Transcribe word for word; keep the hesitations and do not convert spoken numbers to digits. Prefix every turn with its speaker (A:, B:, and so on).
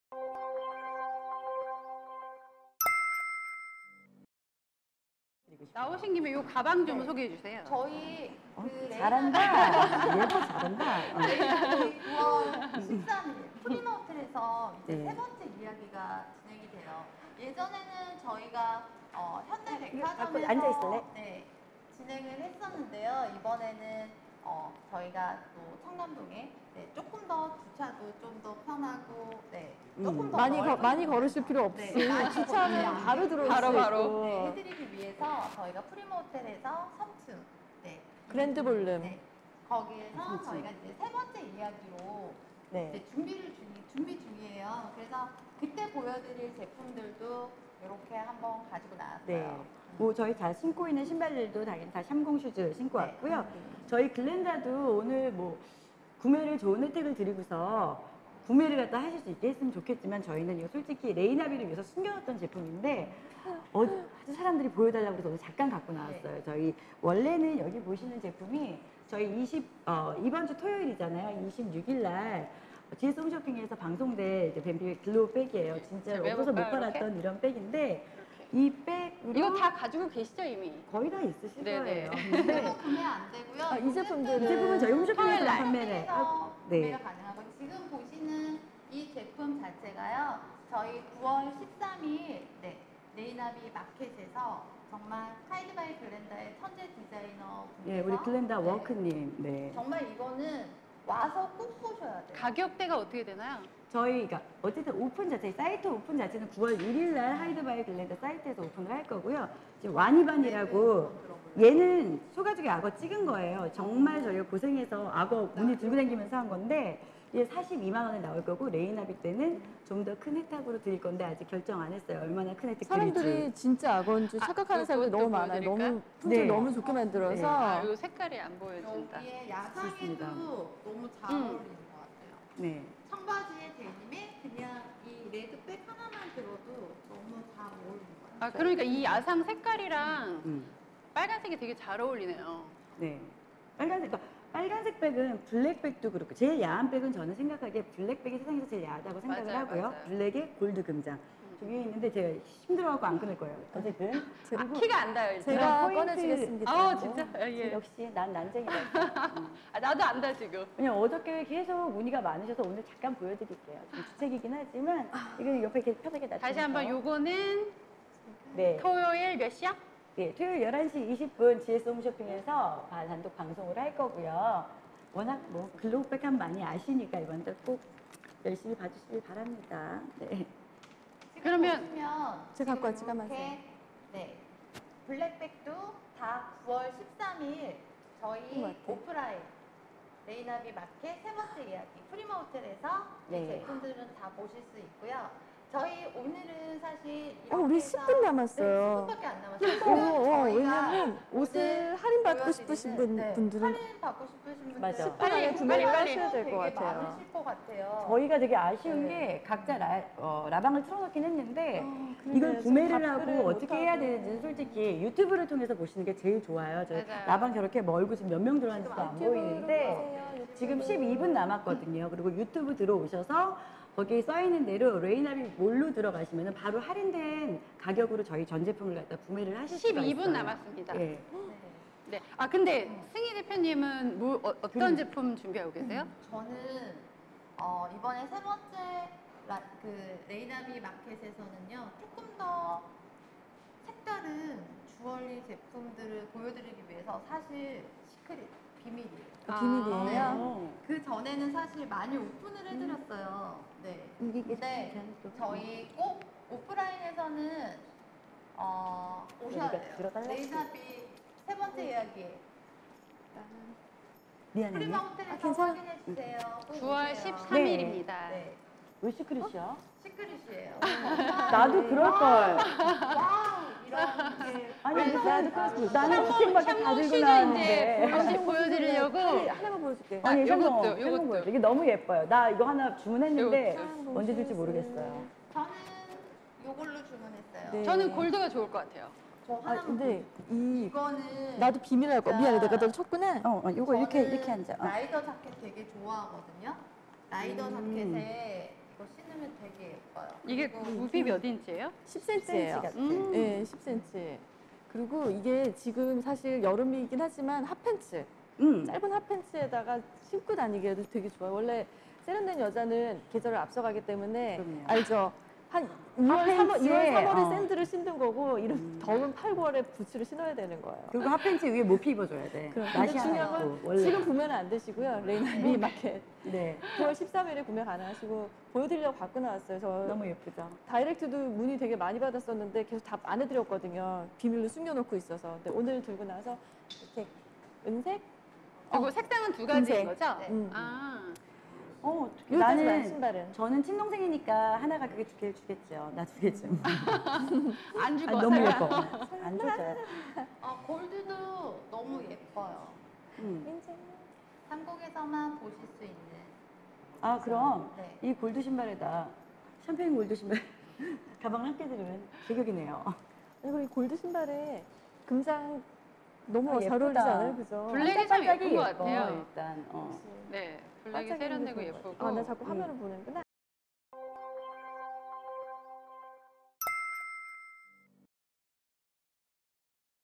A: 나오신 김에 이 가방 좀 네. 소개해 주세요.
B: 저희
C: 어,
B: 그
C: 잘한다. 예뻐 잘한다.
B: 저희 구월 십삼 일 프리마 호텔에서 이제
C: 네.
B: 세 번째 이야기가 진행이 돼요. 예전에는 저희가 어, 현대백화점에서
C: 앉아 있을래?
B: 네, 진행을 했었는데요. 이번에는 어, 저희가 또 청담동에 네, 조금 더 주차도 좀 더 편하고 네, 조금
C: 음.
B: 더
D: 많이 거,
B: 넓은
D: 많이 걸으실 필요 없이
B: 네, 많이
D: 주차하면
B: 걸으면
D: 바로 들어올
A: 바로,
D: 수
A: 바로.
D: 있고.
B: 네, 해드리기 위해서 저희가 프리마 호텔에서 삼 층 네,
D: 그랜드 볼룸.
B: 네, 거기에서 저희가 이제 세 번째 이야기로
C: 네.
B: 이제 준비를 중, 준비 중이에요. 그래서 그때 보여드릴 제품들도 이렇게 한번 가지고 나왔어요.
C: 네. 뭐 저희 다 신고 있는 신발들도 당연히 다 샴공 슈즈 신고
B: 네.
C: 왔고요. 저희 글렌다도 오늘 뭐 구매를 좋은 혜택을 드리고서 구매를 갖다 하실 수 있게 했으면 좋겠지만 저희는 이거 솔직히 레이나비를 위해서 숨겨놨던 제품인데 어, 아주 사람들이 보여달라고 해서 오늘 잠깐 갖고 나왔어요. 저희 원래는 여기 보시는 제품이 저희 이십, 어, 이번 주 토요일이잖아요. 이십육 일 날 지에스 홈쇼핑에서 방송된 이제 뱀피 글로우 백이에요. 진짜
A: 제가
C: 없어서 못
A: 해볼까요,
C: 팔았던
A: 이렇게?
C: 이런 백인데
A: 이렇게.
C: 이 백으로
A: 이거 다 가지고 계시죠 이미?
C: 거의 다 있으실
A: 네네.
C: 거예요. 근데
B: 이거 구매 안 되고요.
D: 아, 이 제품들은
C: 이 제품은 저희 홈쇼핑에서
A: 토요일
C: 판매를
B: 해서
C: 하고 네.
B: 구매가 가능하고 지금 보시는 이 제품 자체가요. 저희 구월 십삼 일 네, 레이나비 마켓에서 정말 하이드바이 글렌다의 천재 디자이너 분께서
C: 예, 우리 글렌다
B: 네,
C: 워크님. 네.
B: 정말 이거는 와서 꼭 보셔야 돼요.
A: 가격대가 어떻게 되나요?
C: 저희가 어쨌든 오픈 자체, 사이트 오픈 자체는 구월 일 일 날 하이드바이 글렌다 사이트에서 오픈을 할 거고요. 지금 와니반이라고 얘는 소가죽에 악어 찍은 거예요. 정말 저희가 고생해서 악어 무늬 들고 다니면서 한 건데 얘 사십이만 원에 나올 거고 레이나비 때는 좀 더 큰 혜택으로 드릴 건데 아직 결정 안 했어요. 얼마나 큰 혜택 드릴지.
D: 사람들이 진짜 악어인 줄
A: 아,
D: 착각하는
A: 그거
D: 사람들이
A: 또
D: 너무 많아요.
A: 보여드릴까요?
D: 너무 품질
C: 네.
D: 너무 좋게 만들어서.
C: 네.
A: 아, 이 색깔이 안 보여진다.
B: 여기에 야상에도
C: 좋습니다.
B: 너무 잘
A: 음.
B: 어울리는 것 같아요.
C: 네.
B: 청바지에 데님에 그냥 이 레드백 하나만 들어도 너무 잘 어울리는 것 같아요.
A: 아 그러니까 이 야상 색깔이랑
C: 음.
A: 빨간색이 되게 잘 어울리네요.
C: 네. 빨간색, 그러니까 빨간색 백은 블랙백도 그렇고 제일 야한 백은 저는 생각하기에 블랙백이 세상에서 제일 야하다고 생각을
A: 맞아요,
C: 하고요.
A: 맞아요.
C: 블랙에 골드 금장. 저 위에 있는데 제가 힘들어갖고 안 끊을 거예요. 어쨌든.
A: 아, 키가 안 닿아요. 일단.
D: 제가
C: 포인트.
D: 꺼내주겠습니다.
A: 아 진짜? 아, 예.
C: 역시 난 난쟁이다. 음.
A: 아, 나도 안다 지금.
C: 왜냐면 어저께 계속 문의가 많으셔서 오늘 잠깐 보여드릴게요. 좀 주책이긴 하지만 이거 옆에 이렇게 편하게 놔두면서.
A: 다시 한번 요거는
C: 네.
A: 토요일 몇 시야?
C: 예, 토요일 열한 시 이십 분 지에스 홈쇼핑에서 단독 방송을 할 거고요. 워낙 뭐 글로우백 하면 많이 아시니까 이번에 꼭 열심히 봐주시길 바랍니다. 네.
A: 그러면
B: 보시면
D: 제가 갖고 왔지,
B: 지금
D: 까만색.
B: 이렇게, 네, 블랙백도 다 구월 십삼 일 저희
D: 같아.
B: 오프라인 레이나비 마켓 세 번째 이야기 프리마 호텔에서
C: 네.
B: 이 제품들은 다 보실 수 있고요. 저희 오늘은 사실
D: 어, 우리 십 분 남았어요.
B: 네, 십 분밖에 안 남았어요.
D: 어, 어,
B: 저희가
D: 왜냐면 옷을
B: 오늘
D: 할인받고
B: 보여드리는,
D: 싶으신 분,
B: 네,
D: 분들은
B: 할인 받고 싶으신 분들
C: 맞아.
D: 십 분 안에 구매를 하셔야 될 것
B: 되게
D: 같아요.
B: 많으실 것 같아요.
C: 저희가 되게 아쉬운
B: 네.
C: 게 각자 라, 어, 라방을 틀어놓긴 했는데
D: 어, 그러게요.
C: 이걸 구매를
D: 지금
C: 하고
D: 답글을
C: 어떻게 해야
D: 못하고.
C: 되는지는 솔직히 유튜브를 통해서 보시는 게 제일 좋아요. 저희
A: 맞아요.
C: 라방 저렇게 멀고 지금 몇 명 들어왔는지도 안
D: 유튜브로
C: 보이는데
D: 보세요, 유튜브.
C: 지금 십이 분 남았거든요. 그리고 유튜브 들어오셔서 거기에 써있는 대로 레이나비 몰로 들어가시면 바로 할인된 가격으로 저희 전 제품을 갖다 구매를 하실 수가 있어요.
A: 십이 분 남았습니다.
C: 예.
B: 네.
A: 네. 아 근데 승희 대표님은 뭐, 어, 어떤
C: 그럼.
A: 제품 준비하고 계세요?
B: 저는 어, 이번에 세 번째 라, 그 레이나비 마켓에서는요 조금 더 색다른 주얼리 제품들을 보여드리기 위해서 사실 시크릿 비밀이에요.
D: 아, 비밀이에요?
C: 어.
B: 그 전에는 사실 많이 오픈을 해드렸어요. 네.
D: 이게
B: 근데 저희 꼭 오프라인에서는 어, 오셔야
C: 여기가
B: 돼요.
C: 들어달라고?
B: 레이나비 세 번째 이야기.
C: 미안해.
B: 프리마 호텔에서
D: 아, 괜찮아.
B: 확인해 주세요. 꼭
A: 구월
B: 오세요.
A: 십삼 일입니다.
B: 네.
C: 왜 시크릿이야?
B: 시크릿이에요.
C: 나도 그럴걸.
B: 와우 이런 게
C: 아니,
A: 왜?
C: 나도 그랬어. 나는 주책밖에 다
A: 샴푸
C: 들고
A: 슈즈 이제
C: 나왔는데.
A: 하나씩 보여드리려고.
D: 하나만 보여줄게.
A: 아,
C: 아니,
A: 요것도,
C: 샴푸,
A: 요것도.
C: 샴푸 보여줘. 이게 너무 예뻐요. 나 이거 하나 주문했는데
D: 요것도.
C: 언제 줄지 모르겠어요.
B: 저는 요걸로 주문했어요.
D: 네.
A: 저는 골드가 좋을 것 같아요.
B: 저
D: 아,
B: 하나
D: 근데 이
B: 이거는
D: 나도 비밀할 거. 미안해, 내가 널 쳤구나.
C: 어, 어 요거 이렇게
B: 저는
C: 이렇게 앉아. 어.
B: 라이더 자켓 되게 좋아하거든요. 라이더
C: 음.
B: 자켓에 이거 신으면 되게
A: 이게 굽이 몇 인치예요?
D: 십 센티미터예요.
C: 같아.
A: 음.
D: 네, 십 센티미터. 그리고 이게 지금 사실 여름이긴 하지만 핫팬츠,
C: 음.
D: 짧은 핫팬츠에다가 신고 다니기에도 되게 좋아요. 원래 세련된 여자는 계절을 앞서가기 때문에
C: 그럼요.
D: 알죠? 한 이월, 삼월, 이월, 삼월에
C: 어.
D: 샌들을 신는 거고 이런
C: 음.
D: 더운 팔, 구월에 부츠를 신어야 되는 거예요.
C: 그리고 핫팬츠 위에 못 입어줘야 돼.
D: 그럼
C: 나시
D: 근데
C: 하나
D: 중요한
C: 있고
D: 건
C: 원래.
D: 지금 구매는 안 되시고요. 레이나비 마켓
C: 네.
D: 구월 십삼일에 구매 가능하시고 보여드리려고 갖고 나왔어요. 저
C: 너무 예쁘죠.
D: 다이렉트도 문의 되게 많이 받았었는데 계속 답 안 해드렸거든요. 비밀로 숨겨놓고 있어서. 근데 오늘 들고 나서 이렇게 은색?
A: 그리고 색상은 두 가지인
D: 금색.
A: 거죠?
B: 네.
D: 음.
A: 아,
C: 어, 어떡해.
D: 여기까지만
C: 나는
D: 신발은.
C: 저는 친동생이니까 하나가 그게 두 개를 주겠죠. 나 두 개쯤.
A: 안 주고
C: 아, 너무
A: 왔어요.
C: 예뻐. 안 줘줘요.
B: 어, 골드도 너무 예뻐요.
C: 음.
D: 인생.
B: 한국에서만 보실 수 있는.
C: 아 그럼
B: 네.
C: 이 골드 신발에다 샴페인 골드 신발 가방을 함께 들으면 제격이네요.
D: 그리고 이 골드 신발에 금장 너무
C: 아,
D: 잘
C: 예쁘다.
D: 어울리지 않아요? 그죠?
A: 블랙이 참 예쁜 것
C: 예뻐,
A: 같아요.
C: 일단. 어.
A: 네, 블랙이
D: 반짝이는
A: 세련되고
D: 게 좋은 것
A: 예쁘고.
D: 같아요. 아, 나 자꾸
C: 음.
D: 화면을 보는구나.